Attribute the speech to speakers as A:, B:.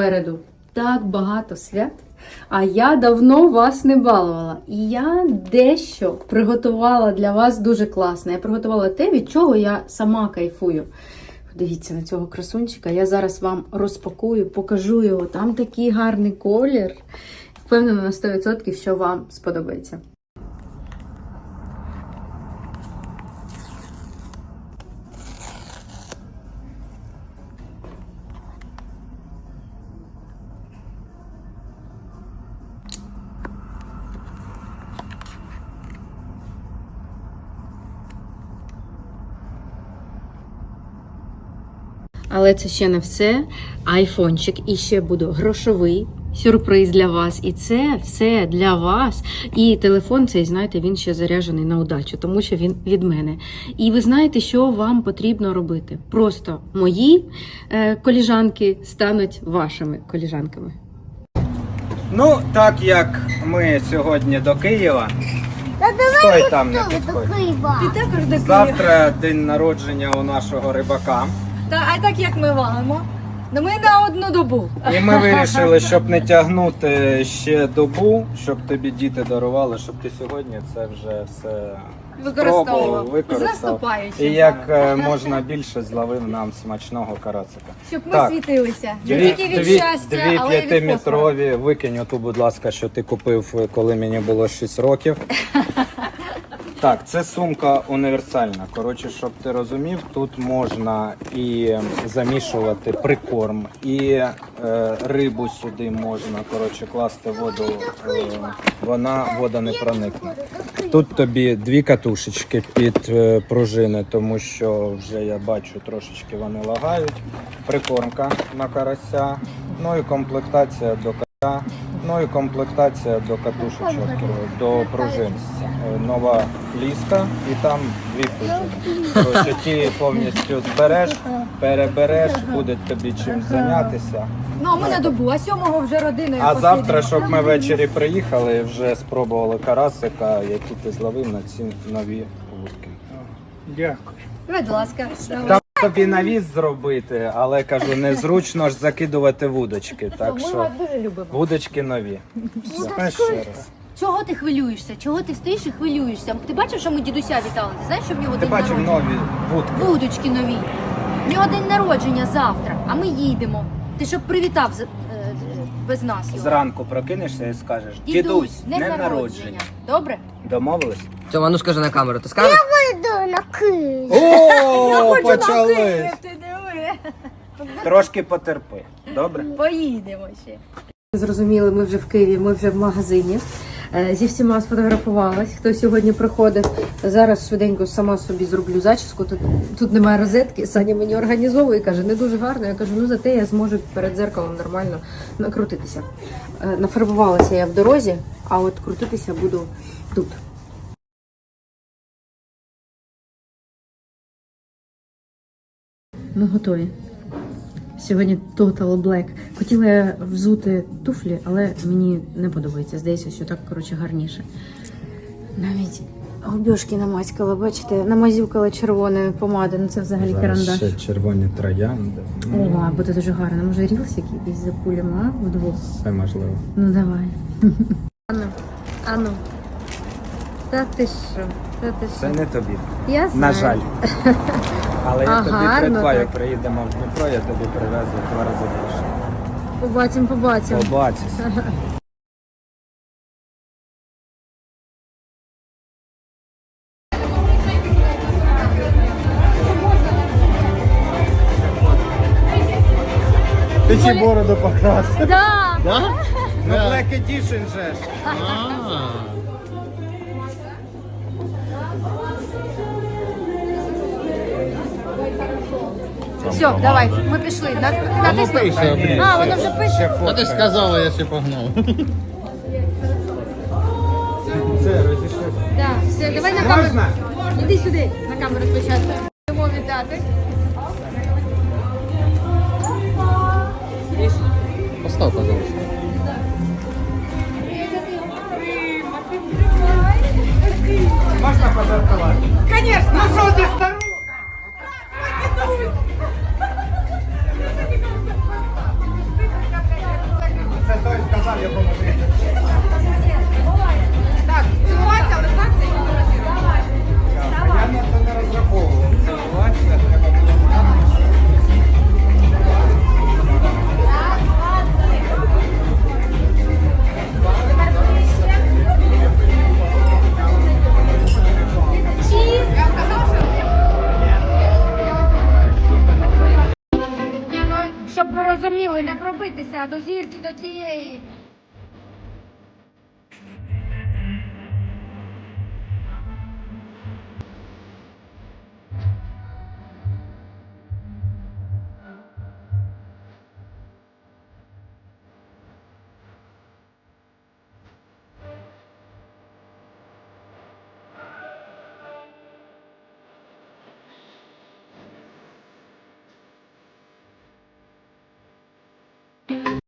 A: Попереду так багато свят, а я давно вас не балувала. І я дещо приготувала для вас дуже класно. Я приготувала те, від чого я сама кайфую. Подивіться на цього красунчика. Я зараз вам розпакую, покажу його. Там такий гарний колір. Впевнена на 100%, що вам сподобається. Але це ще не все. Айфончик. І ще буде грошовий сюрприз для вас. І це все для вас. І телефон цей, знаєте, він ще заряджений на удачу, тому що він від мене. І ви знаєте, що вам потрібно робити. Просто мої коліжанки стануть вашими коліжанками.
B: Ну, так як ми сьогодні до Києва, стой там, не підходь.
A: Ти також до Києва.
B: Завтра день народження у нашого рибака.
C: А так як ми валимо, ну ми на одну добу.
B: І ми вирішили, щоб не тягнути ще добу, щоб тобі діти дарували, щоб ти сьогодні це вже все спробував,
C: З
B: використав.
C: наступаючим.
B: І як можна більше зловив нам смачного карацика.
C: Щоб ми
B: Так.
C: світилися. Не тільки від щастя,
B: дві
C: але й від фосфору.
B: п'ятиметрові. Викинь оту, будь ласка, що ти купив, коли мені було 6 років. Так, це сумка універсальна. Коротше, щоб ти розумів, тут можна і замішувати прикорм, і рибу сюди можна, коротше, класти воду, вода не проникне. Тут тобі 2 катушечки під пружини, тому що вже я бачу, трошечки вони лагають. Прикормка на карася, ну і комплектація до карася. Ну і комплектація до катушечок, до пружин. Нова ліска і там 2 пружини. Коротше, ті повністю збереш, перебереш, буде тобі чим зайнятися.
C: Ну, а ми на добу, а 7-го вже родиною
B: А завтра,
C: посидимо.
B: щоб ми ввечері приїхали і вже спробували карасика, який ти зловив на ці нові вудки.
D: Дякую.
C: Будь ласка.
B: Там тобі навіс зробити, але кажу, незручно ж закидувати вудочки. Так
C: Ми
B: що
C: вас дуже любимо.
B: вудочки нові. Все, ще раз.
C: Чого ти хвилюєшся? Чого ти стоїш і хвилюєшся? Ти бачив, що ми дідуся вітали? Ти знаєш, що в нього
B: Ти
C: день
B: бачив
C: народження?
B: нові вудки?
C: Вудочки нові. В нього день народження завтра, а ми їдемо. Ти щоб привітав без нас його.
B: Зранку прокинешся і скажеш: дідусь,
C: днем
B: днем народження.
C: Добре?
B: Домовились?
E: Тьома, ну скажи на камеру, ти скажеш?
D: Йду на Київ.
B: О, почали!
C: Ти диви.
B: Трошки потерпи. Добре?
C: Поїдемо ще.
A: Зрозуміли, ми вже в Києві, ми вже в магазині. Зі всіма сфотографувалась, хто сьогодні приходив. Зараз швиденько сама собі зроблю зачіску. Тут немає розетки. Саня мені організовує і каже, не дуже гарно. Я кажу, ну зате я зможу перед дзеркалом нормально накрутитися. Нафарбувалася я в дорозі, а от крутитися буду тут. Ми готові. Сьогодні Total Black. Хотіла я взути туфлі, але мені не подобається. Здається, що так, коротше, гарніше. Навіть губьошки намазькала, бачите, намазюкала червоною помадою. Ну це взагалі карандаш.
B: Ще червоні троянди.
A: О, буде дуже гарно. Може рілс якийсь запулимо, а? Вдвох.
B: Все можливо.
A: Ну давай. Ану. Та ти що?
B: Це не тобі.
A: Я знаю.
B: На жаль. Але я
A: А,
B: тобі
A: гарно
B: придбаю,
A: так.
B: приїдемо в Дніпро, я тобі привезу 2 рази більше.
A: Побачимо.
B: Побачиш.
D: Ти чи бороду покрасив?
C: Да.
B: Ну, Black Edition же ж.
C: Все, давай, ми пішли. Натисни. А, воно вже пише.
D: А ти ж сказала, я ще погнав.
B: Це розійшлося.
C: Да, все, давай на камеру.
B: Можна?
C: Іди сюди, на камеру спочатку. Будемо вітати.
D: Постав, пожалуйста.
B: Можна пожартувати?
C: Конечно.
B: Ну що ти старий?
C: зрозуміли, не пробитися до зірки, до тієї